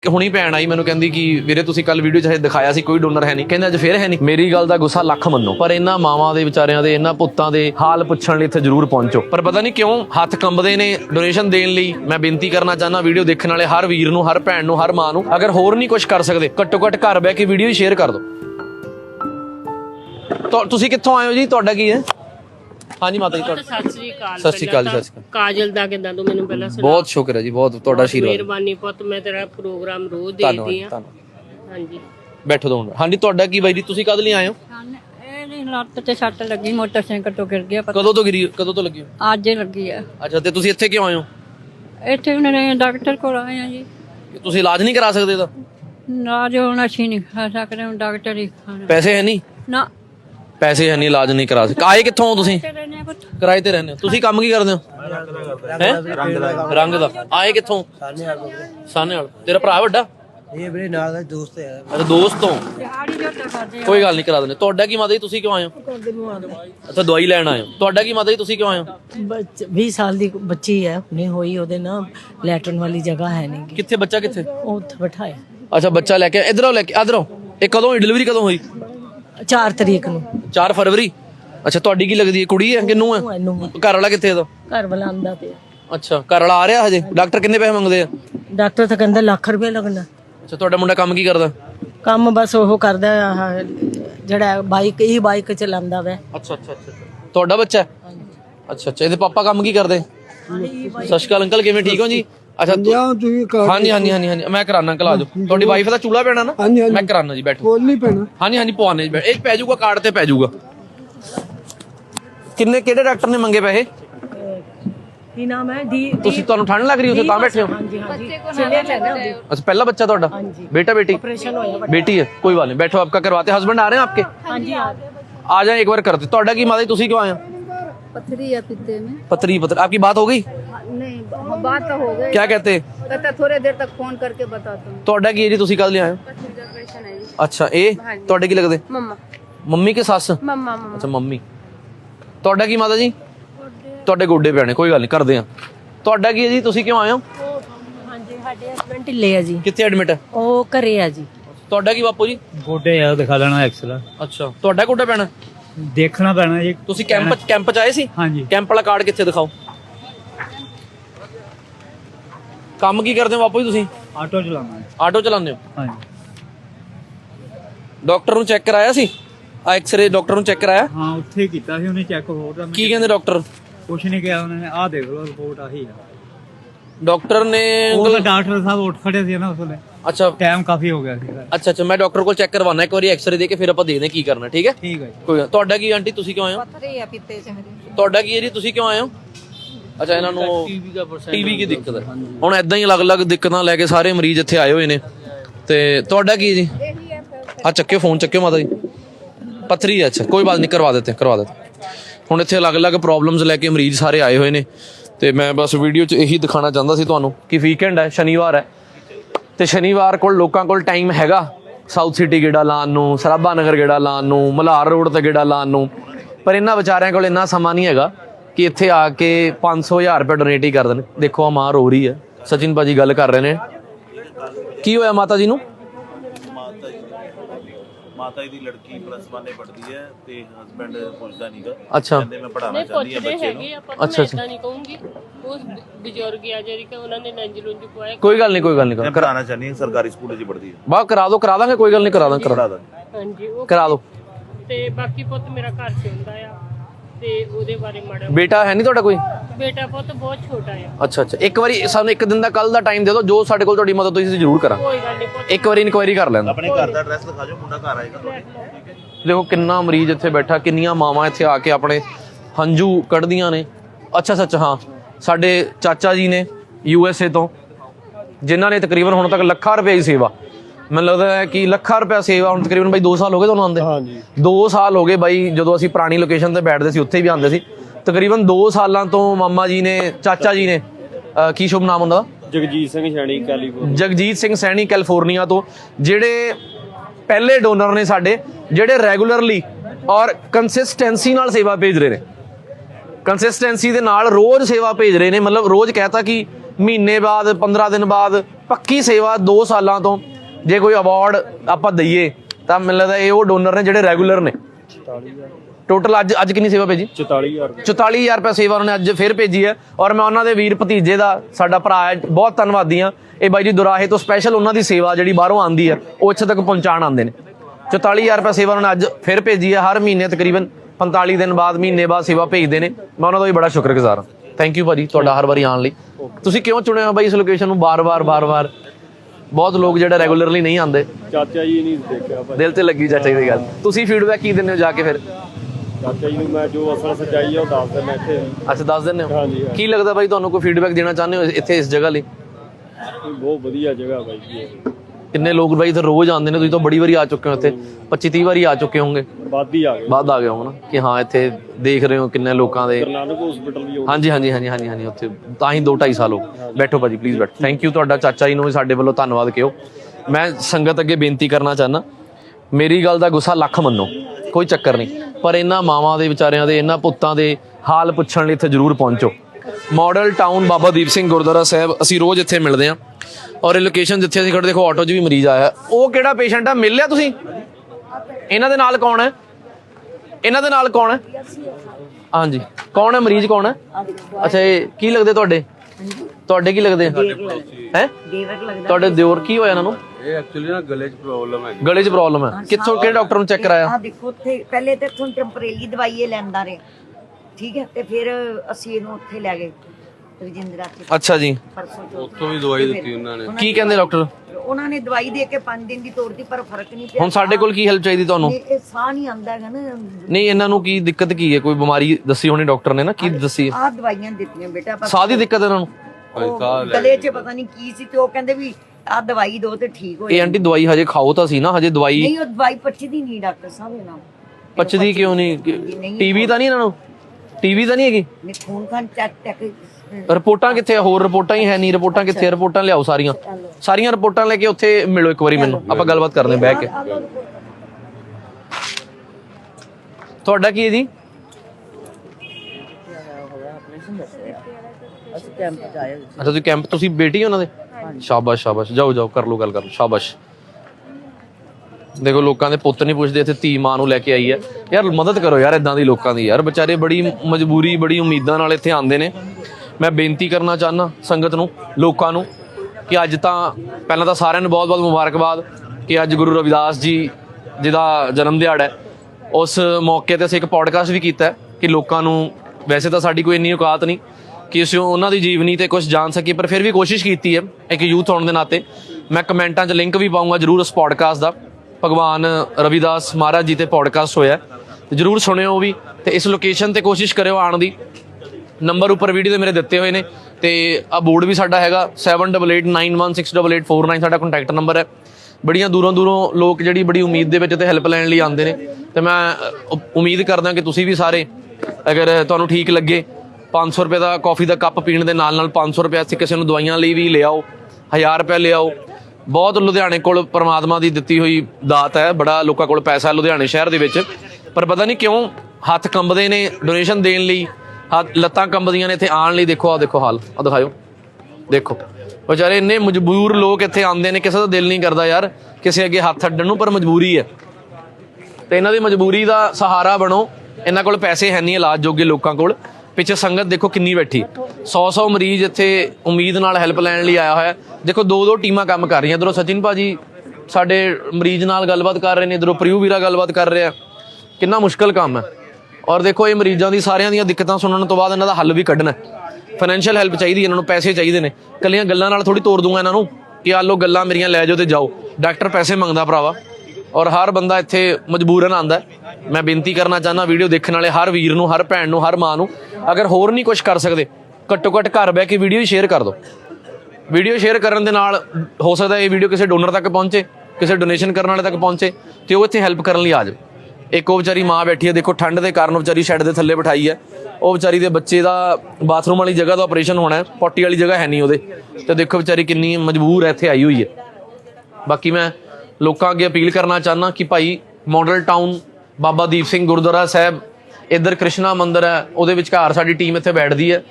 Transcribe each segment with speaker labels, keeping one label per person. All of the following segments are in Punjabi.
Speaker 1: ਹੁਣੀ ਭੈਣ ਆਈ ਮੈਨੂੰ ਕਹਿੰਦੀ ਕਿ ਵੀਰੇ ਤੁਸੀਂ ਕੱਲ ਵੀਡੀਓ 'ਚ ਦਿਖਾਇਆ ਸੀ ਕੋਈ ਡੋਨਰ ਹੈ ਨਹੀਂ, ਕਹਿੰਦੇ ਅੱਜ ਫੇਰ ਹੈ ਨਹੀਂ। ਮੇਰੀ ਗੱਲ ਦਾ ਗੁੱਸਾ ਲੱਖ ਮੰਨੋ, ਪਰ ਇਹਨਾਂ ਮਾਵਾਂ ਦੇ ਵਿਚਾਰਿਆਂ ਦੇ ਇਹਨਾਂ ਪੁੱਤਾਂ ਦੇ ਹਾਲ ਪੁੱਛਣ ਲਈ ਇੱਥੇ ਜ਼ਰੂਰ ਪਹੁੰਚੋ। ਪਰ ਪਤਾ ਨਹੀਂ ਕਿਉਂ ਹੱਥ ਕੰਬਦੇ ਨੇ ਡੋਨੇਸ਼ਨ ਦੇਣ ਲਈ। ਮੈਂ ਬੇਨਤੀ ਕਰਨਾ ਚਾਹੁੰਦਾ ਵੀਡੀਓ ਦੇਖਣ ਵਾਲੇ ਹਰ ਵੀਰ ਨੂੰ, ਹਰ ਭੈਣ ਨੂੰ, ਹਰ ਮਾਂ ਨੂੰ, ਅਗਰ ਹੋਰ ਨਹੀਂ ਕੁਝ ਕਰ ਸਕਦੇ ਘੱਟੋ ਘੱਟ ਘਰ ਬਹਿ ਕੇ ਵੀਡੀਓ ਹੀ ਸ਼ੇਅਰ ਕਰ ਦਿਓ। ਤੁਸੀਂ ਕਿੱਥੋਂ ਆਏ ਹੋ ਜੀ, ਤੁਹਾਡਾ ਕੀ ਹੈ? ਹਾਂਜੀ ਮਾਤਾ ਜੀ, ਤੁਹਾਡਾ
Speaker 2: ਸਤਿ ਸ੍ਰੀ ਅਕਾਲ।
Speaker 1: ਸਤਿ ਸ਼੍ਰੀ ਅਕਾਲ ਜੀ। ਸਤਿ ਸ਼੍ਰੀ ਅਕਾਲ।
Speaker 2: ਕਾਜਲ ਦਾ ਕਿਦਾਂ ਤੂੰ ਮੈਨੂੰ ਪਹਿਲਾਂ ਸੁਣਾ।
Speaker 1: ਬਹੁਤ ਸ਼ੁਕਰ ਹੈ ਜੀ, ਬਹੁਤ ਤੁਹਾਡਾ ਆਸ਼ੀਰਵਾਦ।
Speaker 2: ਮਿਹਰਬਾਨੀ ਪੁੱਤ, ਮੈਂ ਤੇਰਾ ਪ੍ਰੋਗਰਾਮ ਰੋਜ਼ ਦੇਖਦੀ ਆ। ਹਾਂਜੀ
Speaker 1: ਬੈਠੋ ਦੋ ਮਿੰਟ। ਹਾਂਜੀ ਤੁਹਾਡਾ ਕੀ ਬਾਈ ਜੀ, ਤੁਸੀਂ ਕਦ ਲਈ ਆਏ ਹੋ?
Speaker 3: ਇਹ ਲੱਤ ਤੇ ਸੱਟ ਲੱਗੀ, ਮੋਟਰਸਾਈਕਲ ਤੋਂ ਗਿਰ ਗਿਆ।
Speaker 1: ਕਦੋਂ ਤੋਂ ਗਿਰੀ, ਕਦੋਂ ਤੋਂ ਲੱਗੀ?
Speaker 3: ਅੱਜ ਹੀ ਲੱਗੀ ਆ।
Speaker 1: ਅੱਛਾ, ਤੇ ਤੁਸੀਂ ਇੱਥੇ ਕਿਉਂ ਆਏ ਹੋ?
Speaker 3: ਇੱਥੇ ਉਹਨਾਂ ਨੇ ਡਾਕਟਰ ਕੋਲ ਆਏ ਆ ਜੀ।
Speaker 1: ਤੁਸੀਂ ਇਲਾਜ ਨਹੀਂ ਕਰਾ ਸਕਦੇ ਇਹਦਾ?
Speaker 3: ਨਾ ਜੋ ਹੁਣ ਅਸੀਂ ਨਹੀਂ ਖਾ ਸਕਦੇ, ਹੁਣ ਡਾਕਟਰ ਹੀ ਖਾਣਾ।
Speaker 1: ਪੈਸੇ ਹੈ ਨਹੀਂ?
Speaker 3: ਨਾ
Speaker 1: ਪੈਸੇ ਹੈ ਨਹੀਂ, ਇਲਾਜ ਨਹੀਂ ਕਰਾ ਸਕਦੇ। ਆਏ ਕਿੱਥੋਂ ਹੋ ਤੁਸੀਂ? ਕਿਰਾਏ ਤੇ ਰਹਿੰਦੇ ਹੋ? ਤੁਸੀਂ ਕੰਮ ਕੀ ਕਰਦੇ ਹੋ? ਰੰਗ ਦਾ। ਆਏ ਕਿੱਥੋਂ? ਸਾਨੇ ਵਾਲ। ਤੇਰਾ ਭਰਾ ਵੱਡਾ?
Speaker 4: ਇਹ ਵੀਰੇ ਨਾਲ ਦਾ ਦੋਸਤ ਹੈ।
Speaker 1: ਅੱਛਾ ਦੋਸਤ ਹੋ, ਕੋਈ ਗੱਲ ਨਹੀਂ ਕਰਾ ਦਿੰਦੇ। ਤੁਹਾਡਾ ਕੀ ਮਾਤਾ ਜੀ, ਤੁਸੀਂ ਕਿਉਂ ਆਏ ਹੋ? ਅੱਛਾ ਦਵਾਈ ਲੈਣ ਆਏ ਹੋ। ਤੁਹਾਡਾ ਕੀ ਮਾਤਾ ਜੀ, ਤੁਸੀਂ ਕਿਉਂ ਆਏ ਹੋ?
Speaker 5: 20 ਸਾਲ ਦੀ ਬੱਚੀ ਹੈ, ਹੁਣੇ ਹੋਈ, ਉਹਦੇ ਨਾ ਲੈਟਰਨ ਵਾਲੀ ਜਗ੍ਹਾ ਹੈ ਨਹੀਂ।
Speaker 1: ਕਿੱਥੇ ਬੱਚਾ ਕਿੱਥੇ?
Speaker 5: ਉਹ ਉੱਥੇ ਬਿਠਾਇਆ।
Speaker 1: ਅੱਛਾ ਬੱਚਾ ਲੈ ਕੇ ਇਧਰੋਂ, ਲੈ ਕੇ ਇਧਰੋਂ। ਇਹ ਕਦੋਂ ਹੋਈ ਡਿਲੀਵਰੀ, ਕਦੋਂ ਹੋਈ?
Speaker 5: 4 ਤਰੀਕ ਨੂੰ।
Speaker 1: 4 ਫਰਵਰੀ। ਅੱਛਾ ਤੁਹਾਡੀ ਕੀ ਲੱਗਦੀ ਹੈ, ਕੁੜੀ ਹੈ ਕਿ ਨੂੰਹ ਹੈ? ਘਰ ਵਾਲਾ ਕਿੱਥੇ ਇਹਦਾ?
Speaker 5: ਘਰ ਵਾਲਾ ਆਂਦਾ ਪਿਆ।
Speaker 1: ਅੱਛਾ ਘਰ ਵਾਲਾ ਆ ਰਿਹਾ ਹਜੇ? ਡਾਕਟਰ ਕਿੰਨੇ ਪੈਸੇ ਮੰਗਦੇ ਆ?
Speaker 5: ਡਾਕਟਰ ਤਾਂ ਕਹਿੰਦਾ ਲੱਖ ਰੁਪਏ ਲੱਗਣਾ।
Speaker 1: ਅੱਛਾ ਤੁਹਾਡਾ ਮੁੰਡਾ ਕੰਮ ਕੀ ਕਰਦਾ?
Speaker 5: ਕੰਮ ਬਸ ਉਹ ਕਰਦਾ ਆਹ ਜਿਹੜਾ ਬਾਈਕ ਚਲਾਉਂਦਾ ਵਾ।
Speaker 1: ਅੱਛਾ ਅੱਛਾ ਅੱਛਾ। ਤੁਹਾਡਾ ਬੱਚਾ? ਅੱਛਾ ਅੱਛਾ। ਇਹਦੇ ਪਾਪਾ ਕੰਮ ਕੀ ਕਰਦੇ? ਸਤਿ ਸ਼੍ਰੀ ਅਕਾਲ ਅੰਕਲ, ਕਿਵੇਂ, ਠੀਕ ਹੋ ਜੀ? ਅੱਛਾ ਹਾਂਜੀ ਹਾਂਜੀ ਹਾਂਜੀ ਹਾਂਜੀ, ਮੈਂ ਕਰਾਨਾ ਅੰਕਲ, ਆ ਜਾਓ। ਤੁਹਾਡੀ ਵਾਈਫ ਦਾ ਚੂਲਾ ਪੈਣਾ ਨਾ? ਮੈਂ ਕਰਾਨਾ ਜੀ, ਬੈਠੋ।
Speaker 4: ਕੋਲ ਨਹੀਂ ਪੈਣਾ।
Speaker 1: ਹਾਂਜੀ ਹਾਂਜੀ ਪਵਾਨੇ ਜੀ, ਇਹ ਪੈ ਜਾਊਗਾ ਕਾਰਡ ਤੇ ਪੈ ਜਾਊਗਾ। ਕਿੰਨੇ, ਕਿਹੜੇ ਡਾਕਟਰ ਨੇ ਮੰਗੇ ਪੈਸੇ?
Speaker 5: ਕੀ ਨਾਮ ਹੈ?
Speaker 1: ਤੁਸੀਂ, ਤੁਹਾਨੂੰ ਠੰਡ ਲੱਗ ਰਹੀ ਉੱਥੇ ਤਾਂ ਬੈਠੇ ਹੋ?
Speaker 5: ਹਾਂਜੀ ਹਾਂਜੀ, ਸਿਲੇ ਤੇ ਨਾ ਉਹਦੇ।
Speaker 1: अच्छा पहला बच्चा ਤੁਹਾਡਾ? बेटा बेटी?
Speaker 5: ऑपरेशन होया।
Speaker 1: बेटी है, कोई बात नहीं, बैठो आपका करवाते हैं। हस्बैंड आ रहे हैं आपके?
Speaker 5: ਹਾਂਜੀ
Speaker 1: आ जाए एक बार करते। ਤੁਹਾਡਾ ਕੀ ਮਾਤਾ ਜੀ, ਤੁਸੀਂ ਕਿਉਂ ਆਏ ਹੋ?
Speaker 6: पथरी है पित्ते में।
Speaker 1: पथरी, आपकी बात हो गई?
Speaker 6: नहीं बात तो हो गई।
Speaker 1: क्या कहते?
Speaker 6: कहता थोड़े देर तक फोन करके बताता हूँ।
Speaker 1: ਤੁਹਾਡਾ ਕੀ ਹੈ ਜੀ, ਤੁਸੀਂ ਕਦ ਲਈ ਆਏ ਹੋ?
Speaker 6: ऑपरेशन है।
Speaker 1: ਅੱਛਾ ਇਹ ਤੁਹਾਡੇ ਕੀ ਲੱਗਦੇ?
Speaker 6: मम्मा
Speaker 1: ਮੰਮੀ ਕੇ ਸੱਸ?
Speaker 6: मम्मा मम्मा।
Speaker 1: ਅੱਛਾ ਮੰਮੀ। ਤੁਹਾਡਾ ਕੀ ਮਾਤਾ ਜੀ? ਤੁਹਾਡੇ ਗੋਡੇ ਪੈਣੇ, ਕੋਈ ਗੱਲ ਨਹੀਂ, ਕਰਦੇ ਆ। ਤੁਹਾਡਾ ਕੀ ਹੈ ਜੀ, ਤੁਸੀਂ ਕਿਉਂ ਆਏ ਹੋ?
Speaker 5: ਹਾਂਜੀ, ਸਾਡੇ ਹਸਬੈਂਡ ਢਿੱਲੇ ਆ ਜੀ,
Speaker 1: ਕਿੱਥੇ ਐਡਮਿਟ ਹੈ?
Speaker 5: ਉਹ ਘਰੇ ਆ ਜੀ।
Speaker 1: ਤੁਹਾਡਾ ਕੀ ਬਾਪੂ ਜੀ?
Speaker 4: ਗੋਡੇ ਆ, ਦਿਖਾ ਲੈਣਾ ਐਕਸਰਾ।
Speaker 1: ਅੱਛਾ ਤੁਹਾਡਾ ਗੋਡਾ ਪੈਣਾ?
Speaker 4: ਦੇਖਣਾ ਪੈਣਾ ਜੀ।
Speaker 1: ਤੁਸੀਂ ਕੈਂਪ ਚ ਆਏ ਸੀ?
Speaker 4: ਹਾਂਜੀ।
Speaker 1: ਕੈਂਪ ਵਾਲਾ ਕਾਰਡ ਕਿੱਥੇ ਦਿਖਾਓ। ਕੰਮ ਕੀ ਕਰਦੇ ਹੋ ਬਾਪੂ ਜੀ ਤੁਸੀਂ?
Speaker 4: ਆਟੋ ਚਲਾਉਣਾ।
Speaker 1: ਆਟੋ ਚਲਾਉਂਦੇ ਹੋ?
Speaker 4: ਹਾਂਜੀ।
Speaker 1: ਡਾਕਟਰ ਨੂੰ ਚੈੱਕ ਕਰਾਇਆ ਸੀ? ਆ ਐਕਸ-ਰੇ ਡਾਕਟਰ ਨੂੰ ਚੈੱਕ ਕਰਾਇਆ?
Speaker 4: ਹਾਂ ਉੱਥੇ ਕੀਤਾ ਸੀ ਉਹਨੇ ਚੈੱਕ। ਹੋਰ
Speaker 1: ਕੀ ਕਹਿੰਦੇ ਡਾਕਟਰ?
Speaker 4: ਕੁਛ ਨਹੀਂ ਕਿਹਾ ਉਹਨਾਂ ਨੇ। ਆਹ ਦੇਖ ਲਓ ਰਿਪੋਰਟ ਆਹੀ ਆ।
Speaker 1: ਡਾਕਟਰ ਨੇ
Speaker 4: ਉਹ ਤਾਂ ਡਾਕਟਰ ਸਾਹਿਬ ਉੱਠ ਖੜੇ ਸੀ ਨਾ ਉਸ ਵੇਲੇ,
Speaker 1: ਅੱਛਾ
Speaker 4: ਟਾਈਮ ਕਾਫੀ ਹੋ ਗਿਆ ਸੀ।
Speaker 1: ਅੱਛਾ ਅੱਛਾ, ਮੈਂ ਡਾਕਟਰ ਕੋਲ ਚੈੱਕ ਕਰਵਾਉਣਾ ਇੱਕ ਵਾਰੀ, ਐਕਸ-ਰੇ ਦੇ ਕੇ ਫਿਰ ਆਪਾਂ ਦੇਖਦੇ ਕੀ ਕਰਨਾ। ਠੀਕ ਹੈ
Speaker 4: ਠੀਕ ਹੈ ਜੀ।
Speaker 1: ਕੋਈ ਤੁਹਾਡਾ ਕੀ ਆਂਟੀ, ਤੁਸੀਂ ਕਿਉਂ ਆਏ ਹੋ?
Speaker 6: पथरी है पित्ते से हरी।
Speaker 1: ਤੁਹਾਡਾ ਕੀ ਹੈ ਜੀ, ਤੁਸੀਂ ਕਿਉਂ ਆਏ ਹੋ? ਅੱਛਾ ਇਹਨਾਂ ਨੂੰ ਟੀਵੀ ਦੀ ਦਿੱਕਤ ਹੈ। ਹੁਣ ਐਦਾਂ ਹੀ ਅਲੱਗ-ਅਲੱਗ ਦਿੱਕਤਾਂ ਲੈ ਕੇ ਸਾਰੇ ਮਰੀਜ਼ ਇੱਥੇ ਆਏ ਹੋਏ ਨੇ। ਤੇ ਤੁਹਾਡਾ ਕੀ ਹੈ ਜੀ? ਆ ਚੱਕਿਓ ਫੋਨ, ਚੱਕਿਓ ਮਾਤਾ ਜੀ। ਪੱਥਰੀ ਹੈ, ਅੱਛਾ ਕੋਈ ਬਾਤ ਨਹੀਂ, ਕਰਵਾ ਦਿੱਤੇ। ਹੁਣ ਇੱਥੇ ਅਲੱਗ-ਅਲੱਗ ਪ੍ਰੋਬਲਮਸ ਲੈ ਕੇ ਮਰੀਜ਼ ਸਾਰੇ ਆਏ ਹੋਏ ਨੇ। ਤੇ ਮੈਂ ਬਸ ਵੀਡੀਓ 'ਚ ਇਹੀ ਦਿਖਾਉਣਾ ਚਾਹੁੰਦਾ ਸੀ ਤੁਹਾਨੂੰ ਕਿ ਵੀਕਐਂਡ ਹੈ, ਸ਼ਨੀਵਾਰ ਹੈ, ਤੇ ਸ਼ਨੀਵਾਰ ਕੋਲ ਲੋਕਾਂ ਕੋਲ ਟਾਈਮ ਹੈਗਾ ਸਾਊਥ ਸਿਟੀ ਗੇੜਾ ਲਾਉਣ ਨੂੰ, ਸਰਾਭਾ ਨਗਰ ਗੇੜਾ ਲਾਉਣ ਨੂੰ, ਮਲਹਾਰ ਰੋਡ ਤੇ ਗੇੜਾ ਲਾਉਣ ਨੂੰ, ਪਰ ਇਹਨਾਂ ਵਿਚਾਰਿਆਂ ਕੋਲ ਇੰਨਾ ਸਮਾਂ ਨਹੀਂ ਹੈਗਾ ਕਿ ਇੱਥੇ ਆ ਕੇ 500,000 ਰੁਪਏ ਡੋਨੇਟ ਹੀ ਕਰ ਦੇਣ। ਦੇਖੋ ਆ ਮਾਂ ਰੋ ਰਹੀ ਹੈ, ਸਚਿਨ ਭਾਜੀ ਗੱਲ ਕਰ ਰਹੇ ਨੇ। ਕੀ ਹੋਇਆ ਮਾਤਾ ਜੀ ਨੂੰ?
Speaker 7: ਮਾਤਾ ਜੀ ਦੀ ਲੜਕੀ +1 ਪੜ੍ਹਦੀ ਹੈ ਤੇ ਹਸਬੈਂਡ ਪੁੱਛਦਾ ਨਹੀਂਗਾ।
Speaker 1: ਅੱਛਾ
Speaker 7: ਕਹਿੰਦੇ ਮੈਂ ਪੜਾਉਣਾ ਚਾਹੁੰਦੀ ਹਾਂ ਬੱਚੇ ਨੂੰ।
Speaker 1: ਅੱਛਾ
Speaker 2: ਇਦਾਂ ਨਹੀਂ ਕਹੂੰਗੀ। ਉਸ ਬਜ਼ੁਰਗ ਆ ਜਿਹੜੀ ਕਿ ਉਹਨਾਂ ਨੇ ਲੰਜ ਲੁੰਜ ਪਵਾਇਆ।
Speaker 1: ਕੋਈ ਗੱਲ ਨਹੀਂ, ਕੋਈ ਗੱਲ ਨਹੀਂ,
Speaker 7: ਮੈਂ ਪੜਾਉਣਾ ਚਾਹੁੰਦੀ ਹਾਂ, ਸਰਕਾਰੀ ਸਕੂਲ 'ਚ ਪੜ੍ਹਦੀ ਹੈ।
Speaker 1: ਬਾਹਰ ਕਰਾ ਦੋ, ਕਰਾ ਦਾਂਗੇ, ਕੋਈ ਗੱਲ ਨਹੀਂ, ਕਰਾ ਦਾਂਗੇ।
Speaker 2: ਹਾਂਜੀ ਉਹ
Speaker 1: ਕਰਾ ਦੋ।
Speaker 2: ਤੇ ਬਾਕੀ ਪੁੱਤ ਮੇਰਾ ਘਰ 'ਚ ਹੁੰਦਾ ਆ ਤੇ ਉਹਦੇ ਬਾਰੇ ਮਾੜਾ।
Speaker 1: ਬੇਟਾ ਹੈ ਨਹੀਂ ਤੁਹਾਡਾ ਕੋਈ?
Speaker 2: ਬੇਟਾ ਪੁੱਤ ਬਹੁਤ ਛੋਟਾ ਆ।
Speaker 1: ਅੱਛਾ ਅੱਛਾ, ਇੱਕ ਵਾਰੀ ਸਾਨੂੰ ਇੱਕ ਦਿਨ ਦਾ, ਕੱਲ ਦਾ ਟਾਈਮ ਦੇ ਦਿਓ, ਜੋ ਸਾਡੇ ਕੋਲ ਤੁਹਾਡੀ ਮਦਦ ਹੋਈ ਅਸੀਂ ਜ਼ਰੂਰ ਕਰਾਂਗੇ।
Speaker 2: ਕੋਈ ਗੱਲ ਨਹੀਂ ਪੁੱਤ।
Speaker 1: ਇੱਕ ਵਾਰੀ ਇਨਕੁਆਇਰੀ ਕਰ ਲੈਂਦਾ।
Speaker 7: ਆਪਣੇ ਘਰ ਦਾ ਐਡਰੈਸ ਲਿਖਾ ਜਾਓ, ਮੁੰਡਾ ਘਰ ਆਏਗਾ ਤੁਹਾਡੇ।
Speaker 1: ਦੇਖੋ ਕਿੰਨਾ ਮਰੀਜ਼ ਇੱਥੇ ਬੈਠਾ, ਕਿੰਨੀਆਂ ਮਾਵਾਂ ਇੱਥੇ ਆ ਕੇ ਆਪਣੇ ਹੰਝੂ ਕੱਢਦੀਆਂ ਨੇ। ਅੱਛਾ ਸੱਚ, ਹਾਂ ਸਾਡੇ ਚਾਚਾ ਜੀ ਨੇ USA ਤੋਂ, ਜਿਨ੍ਹਾਂ ਨੇ ਤਕਰੀਬਨ ਹੁਣ ਤੱਕ ਲੱਖਾਂ ਰੁਪਏ ਦੀ ਸੇਵਾ, ਮੈਨੂੰ ਲੱਗਦਾ ਹੈ ਕਿ ਲੱਖਾਂ ਰੁਪਏ ਸੇਵਾ ਹੁਣ ਤਕਰੀਬਨ ਬਾਈ 2 ਸਾਲ ਹੋ ਗਏ ਤੁਹਾਨੂੰ ਆਉਂਦੇ? ਹਾਂਜੀ 2 ਸਾਲ ਹੋ ਗਏ ਬਾਈ। ਜਦੋਂ ਅਸੀਂ ਪੁਰਾਣੀ ਲੋਕੇਸ਼ਨ ਤੇ ਬੈਠਦੇ ਸੀ ਉੱਥੇ ਵੀ ਆਉਂਦੇ ਸੀ। ਤਕਰੀਬਨ 2 ਸਾਲਾਂ ਤੋਂ ਮਾਮਾ ਜੀ ਨੇ, ਚਾਚਾ ਜੀ ਨੇ, ਕੀ ਸ਼ੁਭ ਨਾਮ ਹੁੰਦਾ?
Speaker 8: ਜਗਜੀਤ ਸਿੰਘ ਸੈਣੀ, ਕੈਲੀਫੋਰਨੀਆ।
Speaker 1: ਜਗਜੀਤ ਸਿੰਘ ਸੈਣੀ, ਕੈਲੀਫੋਰਨੀਆ ਤੋਂ, ਜਿਹੜੇ ਪਹਿਲੇ ਡੋਨਰ ਨੇ ਸਾਡੇ, ਜਿਹੜੇ ਰੈਗੂਲਰਲੀ ਔਰ ਕੰਸਿਸਟੈਂਸੀ ਨਾਲ ਸੇਵਾ ਭੇਜ ਰਹੇ ਨੇ। ਕੰਸਿਸਟੈਂਸੀ ਦੇ ਨਾਲ ਰੋਜ਼ ਸੇਵਾ ਭੇਜ ਰਹੇ ਨੇ। ਮਤਲਬ ਰੋਜ਼ ਕਹਿਤਾ ਕਿ ਮਹੀਨੇ ਬਾਅਦ 15 ਦਿਨ ਬਾਅਦ ਪੱਕੀ ਸੇਵਾ 2 ਸਾਲਾਂ ਤੋਂ ਜੇ ਕੋਈ ਅਵਾਰਡ ਆਪਾਂ ਦਈਏ ਤਾਂ ਮੈਨੂੰ ਲੱਗਦਾ ਇਹ ਉਹ ਡੋਨਰ ਨੇ ਜਿਹੜੇ ਰੈਗੂਲਰ ਨੇ। ਟੋਟਲ ਅੱਜ ਕਿੰਨੀ ਸੇਵਾ ਭੇਜੀ? 44,000 ਰੁਪਏ ਸੇਵਾ ਉਹਨਾਂ ਨੇ ਅੱਜ ਫਿਰ ਭੇਜੀ ਹੈ। ਔਰ ਮੈਂ ਉਹਨਾਂ ਦੇ ਵੀਰ ਭਤੀਜੇ ਦਾ, ਸਾਡਾ ਭਰਾ ਹੈ, ਬਹੁਤ ਧੰਨਵਾਦੀ ਹਾਂ। ਇਹ ਬਾਈ ਜੀ ਦੁਰਾਹੇ ਤੋਂ ਸਪੈਸ਼ਲ ਉਹਨਾਂ ਦੀ ਸੇਵਾ ਜਿਹੜੀ ਬਾਹਰੋਂ ਆਉਂਦੀ ਹੈ ਉਹ ਇੱਥੇ ਤੱਕ ਪਹੁੰਚਾਉਣ ਆਉਂਦੇ ਨੇ। 44,000 ਰੁਪਏ ਸੇਵਾ ਉਹਨਾਂ ਨੇ ਅੱਜ ਫਿਰ ਭੇਜੀ ਹੈ। ਹਰ ਮਹੀਨੇ ਤਕਰੀਬਨ 45 ਦਿਨ ਬਾਅਦ, ਮਹੀਨੇ ਬਾਅਦ ਸੇਵਾ ਭੇਜਦੇ ਨੇ। ਮੈਂ ਉਹਨਾਂ ਦਾ ਵੀ ਬੜਾ ਸ਼ੁਕਰਗੁਜ਼ਾਰ ਹਾਂ। ਥੈਂਕ ਯੂ ਭਾਜੀ ਤੁਹਾਡਾ ਹਰ ਵਾਰੀ ਆਉਣ ਲਈ। ਤੁਸੀਂ ਕਿਉਂ ਚੁਣਿਆ ਹੋ ਬਾਈ ਇਸ ਲੋਕੇਸ਼ਨ ਨੂੰ ਬਾਰ-ਬਾਰ? ਬਹੁਤ ਲੋਕ ਜਿਹੜਾ ਰੈਗੂਲਰਲੀ ਨਹੀਂ ਆਉਂਦੇ।
Speaker 8: ਚਾਚਾ ਜੀ ਨਹੀਂ ਦੇਖਿਆ ਭਾਈ,
Speaker 1: ਦਿਲ ਤੇ ਲੱਗੀ ਚਾਚਾ ਜੀ ਦੀ ਗੱਲ। ਤੁਸੀਂ ਫੀਡਬੈਕ ਕੀ ਦਿੰਦੇ ਹੋ ਜਾ ਕੇ ਫਿਰ?
Speaker 8: ਚਾਚਾ ਜੀ ਨੂੰ ਮੈਂ ਜੋ ਅਸਲ ਸੱਚਾਈ ਹੈ ਉਹ ਦੱਸ ਦਿੰਦਾ ਇੱਥੇ।
Speaker 1: ਅੱਛਾ, ਦੱਸ ਦਿੰਦੇ ਹੋ।
Speaker 8: ਹਾਂਜੀ।
Speaker 1: ਕੀ ਲੱਗਦਾ ਬਾਈ ਤੁਹਾਨੂੰ, ਕੋਈ ਫੀਡਬੈਕ ਦੇਣਾ ਚਾਹੁੰਦੇ ਹੋ ਇੱਥੇ ਇਸ ਜਗ੍ਹਾ ਲਈ?
Speaker 8: ਬਹੁਤ ਵਧੀਆ ਜਗ੍ਹਾ ਬਾਈ ਜੀ ਇਹ।
Speaker 1: ਕਿੰਨੇ ਲੋਕ ਬਾਈ ਇੱਥੇ ਰੋਜ਼ ਆਉਂਦੇ ਨੇ? ਤੁਸੀਂ ਤਾਂ ਬੜੀ ਵਾਰੀ ਆ ਚੁੱਕੇ ਹੋ ਇੱਥੇ, 25-30 ਵਾਰੀ ਆ ਚੁੱਕੇ ਹੋਵੋਗੇ।
Speaker 8: ਵੱਧ ਹੀ ਆ ਗਏ।
Speaker 1: ਬਾਅਦ ਆ ਗਏ ਹੋ ਨਾ ਕਿ ਹਾਂ ਇੱਥੇ ਦੇਖ ਰਹੇ ਹੋ ਕਿੰਨੇ ਲੋਕਾਂ ਦੇ।
Speaker 8: ਨਾਨਕ ਹਸਪੀਟਲ ਵੀ
Speaker 1: ਹਾਂਜੀ ਉੱਥੇ ਤਾਂ ਹੀ 2-2.5 ਸਾਲ ਹੋ ਗਏ। ਬੈਠੋ ਭਾਜੀ ਪਲੀਜ਼ ਬੈਠੋ। ਥੈਂਕ ਯੂ ਤੁਹਾਡਾ। ਚਾਚਾ ਜੀ ਨੂੰ ਵੀ ਸਾਡੇ ਵੱਲੋਂ ਧੰਨਵਾਦ ਕਿਹੋ। ਮੈਂ ਸੰਗਤ ਅੱਗੇ ਬੇਨਤੀ ਕਰਨਾ ਚਾਹੁੰਦਾ, ਮੇਰੀ ਗੱਲ ਦਾ ਗੁੱਸਾ ਲੱਖ ਮੰਨੋ, ਕੋਈ ਚੱਕਰ ਨਹੀਂ, ਪਰ ਇਹਨਾਂ ਮਾਵਾਂ ਦੇ ਵਿਚਾਰਿਆਂ ਦੇ, ਇਹਨਾਂ ਪੁੱਤਾਂ ਦੇ ਹਾਲ ਪੁੱਛਣ ਲਈ ਇੱਥੇ ਜ਼ਰੂਰ ਪਹੁੰਚੋ। ਮਾਡਲ ਟਾਊਨ ਬਾਬਾ ਦੀਪ ਸਿੰਘ ਗੁਰਦੁਆਰਾ ਸਾਹਿਬ, ਅਸੀਂ ਰੋਜ਼ ਇੱਥੇ ਮਿਲਦੇ ਹਾਂ। ਔਰ ਇਹ ਲੋਕੇਸ਼ਨ ਜਿੱਥੇ ਅਸੀਂ ਖੜੇ, ਦੇਖੋ ਆਟੋ 'ਚ ਵੀ ਮਰੀਜ਼ ਆਇਆ। ਉਹ ਕਿਹੜਾ ਪੇਸ਼ੈਂਟ ਆ? ਮਿਲ ਲਿਆ ਤੁਸੀਂ? ਇਹਨਾਂ ਦੇ ਨਾਲ ਕੌਣ ਹੈ? ਇਹਨਾਂ ਦੇ ਨਾਲ ਕੌਣ ਹੈ? ਹਾਂਜੀ, ਕੌਣ ਹੈ ਮਰੀਜ਼? ਕੌਣ ਹੈ? ਅੱਛਾ, ਇਹ ਕੀ ਲੱਗਦੇ ਤੁਹਾਡੇ? ਤੁਹਾਡੇ ਕੀ ਲੱਗਦੇ ਹੈ? ਤੁਹਾਡੇ ਦਿਓਰ? ਕੀ ਹੋਇਆ ਇਹਨਾਂ ਨੂੰ?
Speaker 9: ਇਹ ਐਕਚੁਅਲੀ ਨਾ ਗਲੇ 'ਚ ਪ੍ਰੋਬਲਮ ਹੈ।
Speaker 1: ਗਲੇ 'ਚ ਪ੍ਰੋਬਲਮ ਹੈ? ਕਿੱਥੋਂ, ਕਿਹੜੇ ਡਾਕਟਰ ਨੂੰ ਚੈੱਕ ਕਰਾਇਆ?
Speaker 10: ਆ ਦੇਖੋ ਉੱਥੇ ਪਹਿਲੇ ਤੇ ਤੁਹਾਨੂੰ ਟੈਂਪਰੇਰੀ ਦਵਾਈ ਲੈਂਦਾ ਰਿਹਾ, ਠੀਕ ਹੈ, ਤੇ ਫਿਰ ਅਸੀਂ ਇਹਨੂੰ ਉੱਥੇ ਲੈ ਗਏ ਰਜਿੰਦਰਾ ਚ।
Speaker 1: ਅੱਛਾ ਜੀ,
Speaker 9: ਉੱਥੋਂ ਵੀ ਦਵਾਈ ਦਿੱਤੀ ਉਹਨਾਂ ਨੇ।
Speaker 1: ਕੀ ਕਹਿੰਦੇ ਡਾਕਟਰ?
Speaker 10: ਉਹਨਾਂ ਨੇ ਦਵਾਈ ਦੇ ਕੇ 5 ਦਿਨ ਦੀ ਤੋੜਦੀ, ਪਰ ਫਰਕ ਨਹੀਂ ਪਿਆ।
Speaker 1: ਹੁਣ ਸਾਡੇ ਕੋਲ ਕੀ ਹੈਲਪ ਚਾਹੀਦੀ ਤੁਹਾਨੂੰ?
Speaker 10: ਇਹ ਸਾਹ ਨਹੀਂ ਆਉਂਦਾ ਹੈਗਾ ਨਾ।
Speaker 1: ਨਹੀਂ, ਇਹਨਾਂ ਨੂੰ ਕੀ ਦਿੱਕਤ ਕੀ ਹੈ? ਕੋਈ ਬਿਮਾਰੀ ਦੱਸੀ ਹੋਣੀ ਡਾਕਟਰ ਨੇ ਨਾ, ਕੀ ਦੱਸੀ?
Speaker 10: ਆਹ ਦਵਾਈਆਂ ਦਿੱਤੀਆਂ ਬੇਟਾ, ਬਸ
Speaker 1: ਸਾਹ ਦੀ ਦਿੱਕਤ ਇਹਨਾਂ ਨੂੰ?
Speaker 10: ਗਲੇ 'ਚ ਪਤਾ ਨਹੀਂ ਕੀ ਸੀ, ਤੇ ਉਹ ਕਹਿੰਦੇ ਵੀ ਆਹ ਦਵਾਈ ਦੋ ਤੇ ਠੀਕ ਹੋ
Speaker 1: ਇਹ ਆਂਟੀ ਦਵਾਈ ਹਜੇ ਖਾਓ ਤਾਂ ਸੀ ਨਾ, ਹਜੇ ਦਵਾਈ
Speaker 10: ਨਹੀਂ। ਉਹ ਦਵਾਈ ਪਚਦੀ ਨਹੀਂ ਡਾਕਟਰ ਸਾਹਿਬ ਇਹਨਾਂ ਨੂੰ।
Speaker 1: ਪਚਦੀ ਕਿਉਂ ਨਹੀਂ? ਟੀਵੀ ਤਾਂ ਨਹੀਂ ਇਹਨਾਂ ਨੂੰ? ਟੀਵੀ ਤਾਂ ਨਹੀਂ ਹੈਗੀ?
Speaker 10: ਨਹੀਂ, ਖੂਨ ਖਾਨ ਚੈੱਕ
Speaker 1: ਰਿਪੋਰਟਾਂ ਕਿੱਥੇ ਆ? ਹੋਰ ਰਿਪੋਰਟਾਂ ਹੀ ਹੈ ਨਹੀਂ। ਰਿਪੋਰਟਾਂ ਕਿੱਥੇ? ਰਿਪੋਰਟਾਂ ਲਿਆਓ ਸਾਰੀਆਂ ਰਿਪੋਰਟਾਂ ਲੈ ਕੇ ਉੱਥੇ ਮਿਲੋ ਇੱਕ ਵਾਰੀ ਮੈਨੂੰ, ਆਪਾਂ ਗੱਲਬਾਤ ਕਰਦੇ ਬਹਿ ਕੇ। ਤੁਹਾਡਾ ਕੀ ਹੈ ਜੀ? ਅੱਛਾ, ਤੁਸੀਂ ਕੈਂਪ, ਤੁਸੀਂ ਬੇਟੀ ਉਹਨਾਂ ਦੇ? ਸ਼ਾਬਾਸ਼ ਸ਼ਾਬਾਸ਼, ਜਾਓ ਕਰ ਲਓ ਗੱਲ, ਕਰ ਲਓ, ਸ਼ਾਬਾਸ਼। ਦੇਖੋ ਲੋਕਾਂ ਦੇ ਪੁੱਤ ਨਹੀਂ ਪੁੱਛਦੇ, ਇੱਥੇ ਧੀ ਮਾਂ ਨੂੰ ਲੈ ਕੇ ਆਈ ਹੈ। ਯਾਰ ਮਦਦ ਕਰੋ ਯਾਰ ਇਦਾਂ ਦੀ ਲੋਕਾਂ ਦੀ। ਯਾਰ ਵਿਚਾਰੇ ਬੜੀ ਮਜਬੂਰੀ, ਬੜੀ ਉਮੀਦਾਂ ਨਾਲ ਇੱਥੇ ਆਉਂਦੇ ਨੇ। ਮੈਂ ਬੇਨਤੀ ਕਰਨਾ ਚਾਹੁੰਦਾ ਸੰਗਤ ਨੂੰ, ਲੋਕਾਂ ਨੂੰ, ਕਿ ਅੱਜ ਤਾਂ ਪਹਿਲਾਂ ਤਾਂ ਸਾਰਿਆਂ ਨੂੰ ਬਹੁਤ-ਬਹੁਤ ਮੁਬਾਰਕਬਾਦ ਕਿ ਅੱਜ ਗੁਰੂ ਰਵਿਦਾਸ ਜੀ ਜਿਹਦਾ ਜਨਮ ਦਿਹਾੜਾ ਹੈ। ਉਸ ਮੌਕੇ ਤੇ ਅਸੀਂ ਇੱਕ ਪੋਡਕਾਸਟ ਵੀ ਕੀਤਾ ਕਿ ਲੋਕਾਂ ਨੂੰ, ਵੈਸੇ ਤਾਂ ਸਾਡੀ ਕੋਈ ਇੰਨੀ ਔਕਾਤ ਨਹੀਂ ਕਿ ਅਸੀਂ ਉਹਨਾਂ ਦੀ ਜੀਵਨੀ ਤੇ ਕੁਝ ਜਾਣ ਸਕੀਏ, ਪਰ ਫਿਰ ਵੀ ਕੋਸ਼ਿਸ਼ ਕੀਤੀ ਹੈ ਇੱਕ ਯੂਥ ਹੋਣ ਦੇ ਨਾਤੇ। ਮੈਂ ਕਮੈਂਟਾਂ 'ਚ ਲਿੰਕ ਵੀ ਪਾਊਂਗਾ ਜ਼ਰੂਰ ਉਸ ਪੋਡਕਾਸਟ ਦਾ। ਭਗਵਾਨ ਰਵਿਦਾਸ ਮਹਾਰਾਜ ਜੀ ਤੇ ਪੋਡਕਾਸਟ ਹੋਇਆ, ਜ਼ਰੂਰ ਸੁਣਿਓ ਵੀ। ਤੇ ਇਸ ਲੋਕੇਸ਼ਨ ਤੇ ਕੋਸ਼ਿਸ਼ ਕਰਿਓ ਆਉਣ ਦੀ। ਨੰਬਰ ਉੱਪਰ ਵੀਡੀਓ ਦੇ ਮੇਰੇ ਦਿੱਤੇ ਹੋਏ ਨੇ, ਤੇ ਆ ਬੋਰਡ ਵੀ ਸਾਡਾ ਹੈਗਾ 7889168849 ਸਾਡਾ ਕੰਟੈਕਟ ਨੰਬਰ ਹੈ। ਬੜੀਆਂ ਦੂਰੋਂ ਲੋਕ ਜਿਹੜੀ ਬੜੀ ਉਮੀਦ ਦੇ ਵਿੱਚ ਤੇ ਹੈਲਪ ਲੈਣ ਲਈ ਆਉਂਦੇ ਨੇ, ਤੇ ਮੈਂ ਉਮੀਦ ਕਰਦਾ ਕਿ ਤੁਸੀਂ ਵੀ ਸਾਰੇ, ਅਗਰ ਤੁਹਾਨੂੰ ਠੀਕ ਲੱਗੇ, 500 ਰੁਪਏ ਦਾ ਕੌਫੀ ਦਾ ਕੱਪ ਪੀਣ ਦੇ ਨਾਲ 500 ਰੁਪਏ ਅਸੀਂ ਕਿਸੇ ਨੂੰ ਦਵਾਈਆਂ ਲਈ ਵੀ ਲਿਆਓ, 1000 ਰੁਪਏ ਲਿਆਓ। ਬਹੁਤ ਲੁਧਿਆਣੇ ਕੋਲ ਪਰਮਾਤਮਾ ਦੀ ਦਿੱਤੀ ਹੋਈ ਦਾਤ ਹੈ, ਬੜਾ ਲੋਕਾਂ ਕੋਲ ਪੈਸਾ ਲੁਧਿਆਣੇ ਸ਼ਹਿਰ ਦੇ ਵਿੱਚ, ਪਰ ਪਤਾ ਨਹੀਂ ਕਿਉਂ ਹੱਥ ਕੰਬਦੇ ਨੇ ਡੋਨੇਸ਼ਨ ਦੇਣ ਲਈ, ਲੱਤਾਂ ਕੰਬਦੀਆਂ ਨੇ ਇੱਥੇ ਆਉਣ ਲਈ। ਦੇਖੋ ਦੇਖੋ ਹਾਲ, ਦਿਖਾਇਓ, ਦੇਖੋ ਵਿਚਾਰੇ ਇੰਨੇ ਮਜਬੂਰ ਲੋਕ ਇੱਥੇ ਆਉਂਦੇ ਨੇ। ਕਿਸੇ ਦਾ ਦਿਲ ਨਹੀਂ ਕਰਦਾ ਯਾਰ ਕਿਸੇ ਅੱਗੇ ਹੱਥ ਅੱਡਣ ਨੂੰ, ਪਰ ਮਜਬੂਰੀ ਹੈ, ਤੇ ਇਹਨਾਂ ਦੀ ਮਜਬੂਰੀ ਦਾ ਸਹਾਰਾ ਬਣੋ। ਇਹਨਾਂ ਕੋਲ ਪੈਸੇ ਹੈ ਨਹੀਂ ਇਲਾਜ ਜੋਗੇ ਲੋਕਾਂ ਕੋਲ। ਪਿੱਛੇ ਸੰਗਤ ਦੇਖੋ ਕਿੰਨੀ ਬੈਠੀ, 100 ਮਰੀਜ਼ ਇੱਥੇ ਉਮੀਦ ਨਾਲ ਹੈਲਪ ਲੈਣ ਲਈ ਆਇਆ ਹੋਇਆ। ਦੇਖੋ 2 ਟੀਮਾਂ ਕੰਮ ਕਰ ਰਹੀਆਂ। ਇੱਧਰੋਂ ਸਚਿਨ ਭਾਜੀ ਸਾਡੇ ਮਰੀਜ਼ ਨਾਲ ਗੱਲਬਾਤ ਕਰ ਰਹੇ ਨੇ, ਇੱਧਰੋਂ ਪ੍ਰਿਯੂ ਵੀਰਾ ਗੱਲਬਾਤ ਕਰ ਰਿਹਾ। ਕਿੰਨਾ ਮੁਸ਼ਕਲ ਕੰਮ ਹੈ। ਔਰ ਦੇਖੋ ਇਹ ਮਰੀਜ਼ਾਂ ਦੀ ਸਾਰਿਆਂ ਦੀਆਂ ਦਿੱਕਤਾਂ ਸੁਣਨ ਤੋਂ ਬਾਅਦ ਇਹਨਾਂ ਦਾ ਹੱਲ ਵੀ ਕੱਢਣਾ। ਫਾਈਨੈਂਸ਼ੀਅਲ ਹੈਲਪ ਚਾਹੀਦੀ, ਇਹਨਾਂ ਨੂੰ ਪੈਸੇ ਚਾਹੀਦੇ ਨੇ। ਇਕੱਲੀਆਂ ਗੱਲਾਂ ਨਾਲ ਥੋੜੀ ਤੋੜ ਦੂੰਗਾ ਇਹਨਾਂ ਨੂੰ ਕਿ ਆ ਲੋ ਗੱਲਾਂ ਮੇਰੀਆਂ ਲੈ ਜਾਓ ਤੇ ਜਾਓ। ਡਾਕਟਰ ਪੈਸੇ ਮੰਗਦਾ ਭਰਾਵਾ, ਔਰ ਹਰ ਬੰਦਾ ਇੱਥੇ ਮਜਬੂਰਨ ਆਉਂਦਾ। ਮੈਂ ਬੇਨਤੀ ਕਰਨਾ ਚਾਹੁੰਦਾ ਵੀਡੀਓ ਦੇਖਣ ਵਾਲੇ ਹਰ ਵੀਰ ਨੂੰ, ਹਰ ਭੈਣ ਨੂੰ, ਹਰ ਮਾਂ ਨੂੰ, ਅਗਰ ਹੋਰ ਨਹੀਂ ਕੁਝ ਕਰ ਸਕਦੇ, ਘੱਟੋ ਘੱਟ ਘਰ ਬਹਿ ਕੇ ਵੀਡੀਓ ਹੀ ਸ਼ੇਅਰ ਕਰ ਦਿਓ। ਵੀਡੀਓ ਸ਼ੇਅਰ ਕਰਨ ਦੇ ਨਾਲ ਹੋ ਸਕਦਾ ਇਹ ਵੀਡੀਓ ਕਿਸੇ ਡੋਨਰ ਤੱਕ ਪਹੁੰਚੇ, ਕਿਸੇ ਡੋਨੇਸ਼ਨ ਕਰਨ ਵਾਲੇ ਤੱਕ ਪਹੁੰਚੇ, ਤੇ ਉਹ ਇੱਥੇ ਹੈਲਪ ਕਰਨ ਲਈ ਆ ਜਾਵੇ। ਇੱਕ ਉਹ ਵਿਚਾਰੀ ਮਾਂ ਬੈਠੀ ਹੈ, ਦੇਖੋ ਠੰਡ ਦੇ ਕਾਰਨ ਵਿਚਾਰੀ ਸ਼ੈੱਡ ਦੇ ਥੱਲੇ ਬਿਠਾਈ ਹੈ। ਉਹ ਵਿਚਾਰੀ ਦੇ ਬੱਚੇ ਦਾ ਬਾਥਰੂਮ ਵਾਲੀ ਜਗ੍ਹਾ ਦਾ ਆਪਰੇਸ਼ਨ ਹੋਣਾ ਹੈ, ਪੋਟੀ ਵਾਲੀ ਜਗ੍ਹਾ ਹੈ ਨਹੀਂ ਉਹਦੇ, ਤੇ ਦੇਖੋ ਵਿਚਾਰੀ ਕਿੰਨੀ ਮਜਬੂਰ ਹੈ, ਇੱਥੇ ਆਈ ਹੋਈ ਹੈ। ਬਾਕੀ ਮੈਂ ਲੋਕਾਂ ਅੱਗੇ ਅਪੀਲ ਕਰਨਾ ਚਾਹੁੰਦਾ ਕਿ ਭਾਈ ਮਾਡਲ ਟਾਊਨ ਬਾਬਾ ਦੀਪ ਸਿੰਘ ਗੁਰਦੁਆਰਾ ਸਾਹਿਬ, ਇੱਧਰ ਕ੍ਰਿਸ਼ਨਾ ਮੰਦਿਰ ਹੈ, ਉਹਦੇ ਵਿਚਕਾਰ ਸਾਡੀ ਟੀਮ ਇੱਥੇ ਬੈਠਦੀ ਹੈ।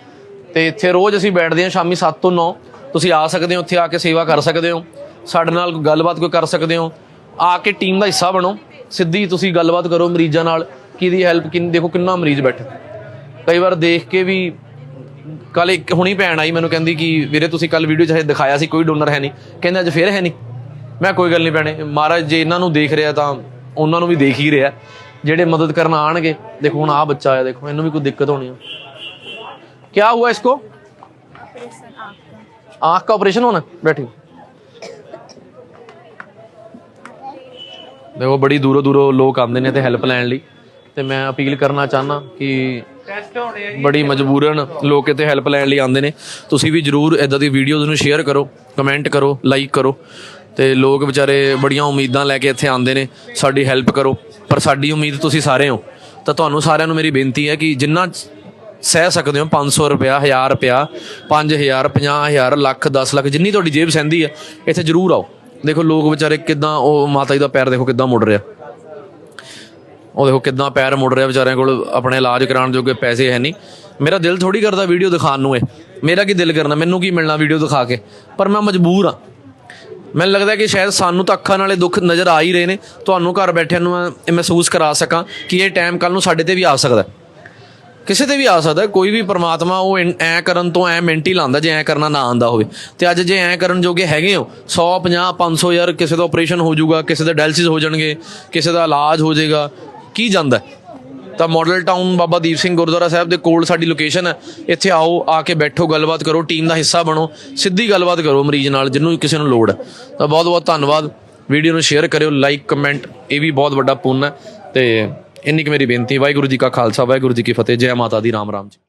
Speaker 1: ਤੇ ਇੱਥੇ ਰੋਜ਼ ਅਸੀਂ ਬੈਠਦੇ ਹਾਂ ਸ਼ਾਮੀ 7 ਤੋਂ 9। ਤੁਸੀਂ ਆ ਸਕਦੇ ਹੋ, ਇੱਥੇ ਆ ਕੇ ਸੇਵਾ ਕਰ ਸਕਦੇ ਹੋ, ਸਾਡੇ ਨਾਲ ਗੱਲਬਾਤ ਕੋਈ ਕਰ ਸਕਦੇ ਹੋ। ਆ ਕੇ ਟੀਮ ਦਾ ਹਿੱਸਾ ਬਣੋ, ਸਿੱਧੀ ਤੁਸੀਂ ਗੱਲਬਾਤ ਕਰੋ ਮਰੀਜ਼ਾਂ ਨਾਲ, ਕਿਹਦੀ ਹੈਲਪ ਦੇਖੋ ਕਿੰਨਾ ਮਰੀਜ਼ ਬੈਠੇ। ਕਈ ਵਾਰ ਦੇਖ ਕੇ ਵੀ ਕੱਲ ਇੱਕ ਹੁਣੀ ਭੈਣ ਆਈ ਮੈਨੂੰ ਕਹਿੰਦੀ ਕਿ ਵੀਰੇ ਤੁਸੀਂ ਕੱਲ ਵੀਡੀਓ 'ਚ ਦਿਖਾਇਆ ਸੀ ਕੋਈ ਡੋਨਰ ਹੈ ਨਹੀਂ, ਕਹਿੰਦੇ ਅੱਜ ਫਿਰ ਹੈ ਨਹੀਂ। ਮੈਂ ਕੋਈ ਗੱਲ ਨਹੀਂ ਭੈਣੇ, ਮਹਾਰਾਜ ਜੇ ਇਹਨਾਂ ਨੂੰ ਦੇਖ ਰਿਹਾ ਤਾਂ ਉਹਨਾਂ ਨੂੰ ਵੀ ਦੇਖ ਹੀ ਰਿਹਾ, ਜਿਹੜੇ ਮਦਦ ਕਰਨ ਆਣਗੇ। ਦੇਖੋ ਹੁਣ ਆਹ ਬੱਚਾ ਆਇਆ, ਦੇਖੋ ਇਹਨੂੰ ਵੀ ਕੋਈ ਦਿੱਕਤ ਹੋਣੀ ਹੈ। क्या हुआ इसको? आँख का ऑपरेशन होना। बैठी देखो बड़ी दूरों दूरों लोग आते हैं हैल्प लैन लई, ते मैं अपील करना चाहना कि बड़ी मजबूरन लोग इत्थे हैल्प लैन लई आते हैं। तुसीं भी जरूर इदां दी वीडियोज़ नूं शेयर करो, कमेंट करो, लाइक करो। ते लोग बेचारे बड़ियां उम्मीदां लैके इत्थे आते हैं, साडी हैल्प करो। पर साडी उम्मीद तुसीं सारे हो, तां तुहानूं सारिआं नूं मेरी बेनती है कि जिन्ना सह सकते हो 500 रुपया, 1000 रुपया, 5000, 50,000, ਲੱਖ, 10 ਲੱਖ, ਜਿੰਨੀ ਤੁਹਾਡੀ ਜੇਬ ਸਹਿੰਦੀ ਹੈ ਇੱਥੇ ਜ਼ਰੂਰ ਆਓ। ਦੇਖੋ ਲੋਕ ਵਿਚਾਰੇ ਕਿੱਦਾਂ, ਉਹ ਮਾਤਾ ਜੀ ਦਾ ਪੈਰ ਦੇਖੋ ਕਿੱਦਾਂ ਮੁੜ ਰਿਹਾ, ਉਹ ਦੇਖੋ ਕਿੱਦਾਂ ਪੈਰ ਮੁੜ ਰਿਹਾ, ਵਿਚਾਰਿਆਂ ਕੋਲ ਆਪਣੇ ਇਲਾਜ ਕਰਾਉਣ ਜੋਗੇ ਪੈਸੇ ਹੈ ਨਹੀਂ। ਮੇਰਾ ਦਿਲ ਥੋੜੀ ਕਰਦਾ ਵੀਡੀਓ ਦਿਖਾਉਣ ਨੂੰ, ਮੇਰਾ ਕੀ ਦਿਲ ਕਰਨਾ, ਮੈਨੂੰ ਕੀ ਮਿਲਣਾ ਵੀਡੀਓ ਦਿਖਾ ਕੇ, ਪਰ ਮੈਂ ਮਜਬੂਰ ਹਾਂ। ਮੈਨੂੰ ਲੱਗਦਾ ਕਿ ਸ਼ਾਇਦ ਸਾਨੂੰ ਤਾਂ ਅੱਖਾਂ ਨਾਲੇ ਦੁੱਖ ਨਜ਼ਰ ਆ ਹੀ ਰਹੇ ਨੇ, ਤੁਹਾਨੂੰ ਘਰ ਬੈਠਿਆਂ ਨੂੰ ਮੈਂ ਮਹਿਸੂਸ ਕਰਾ ਸਕਾਂ ਕਿ ਇਹ ਟਾਈਮ ਕੱਲ੍ਹ ਨੂੰ ਸਾਡੇ 'ਤੇ ਵੀ ਆ ਸਕਦਾ, ਕਿਸੇ ਤੇ ਵੀ ਆ ਸਕਦਾ। ਕੋਈ ਵੀ ਪਰਮਾਤਮਾ ਉਹ ਐਂ ਕਰਨ ਤੋਂ ਐਂ ਮਿੰਟ ਹੀ ਲਾਉਂਦਾ ਜੇ ਐਂ ਕਰਨਾ ਨਾ ਆਉਂਦਾ ਹੋਵੇ। ਤੇ ਅੱਜ ਜੇ ਐਂ ਕਰਨ ਜੋਗੇ ਹੈਗੇ ਹੋ 100, 50, 500 ਯਾਰ, ਕਿਸੇ ਦਾ ਆਪਰੇਸ਼ਨ ਹੋ ਜਾਊਗਾ, ਕਿਸੇ ਦੇ ਡਾਇਲਸਿਸ ਹੋ ਜਾਣਗੇ, ਕਿਸੇ ਦਾ ਇਲਾਜ ਹੋ ਜਾਏਗਾ, ਕੀ ਜਾਂਦਾ। ਤਾਂ ਮਾਡਲ ਟਾਊਨ ਬਾਬਾ ਦੀਪ ਸਿੰਘ ਗੁਰਦੁਆਰਾ ਸਾਹਿਬ ਦੇ ਕੋਲ ਸਾਡੀ ਲੋਕੇਸ਼ਨ ਹੈ। ਇੱਥੇ ਆਓ, ਆ ਕੇ ਬੈਠੋ, ਗੱਲਬਾਤ ਕਰੋ, ਟੀਮ ਦਾ ਹਿੱਸਾ ਬਣੋ, ਸਿੱਧੀ ਗੱਲਬਾਤ ਕਰੋ ਮਰੀਜ਼ ਨਾਲ ਜਿਹਨੂੰ ਕਿਸੇ ਨੂੰ ਲੋੜ ਹੈ। ਤਾਂ ਬਹੁਤ ਬਹੁਤ ਧੰਨਵਾਦ। ਵੀਡੀਓ ਨੂੰ ਸ਼ੇਅਰ ਕਰਿਓ, ਲਾਈਕ ਕਮੈਂਟ, ਇਹ ਵੀ ਬਹੁਤ ਵੱਡਾ ਪੁੰਨ ਹੈ। ਤੇ ਇੰਨੀ ਕੁ ਮੇਰੀ ਬੇਨਤੀ। ਵਾਹਿਗੁਰੂ ਜੀ ਕਾ ਖਾਲਸਾ, ਵਾਹਿਗੁਰੂ ਜੀ ਕੀ ਫਤਿਹ। ਜੈ ਮਾਤਾ ਦੀ, ਰਾਮ ਰਾਮ ਜੀ।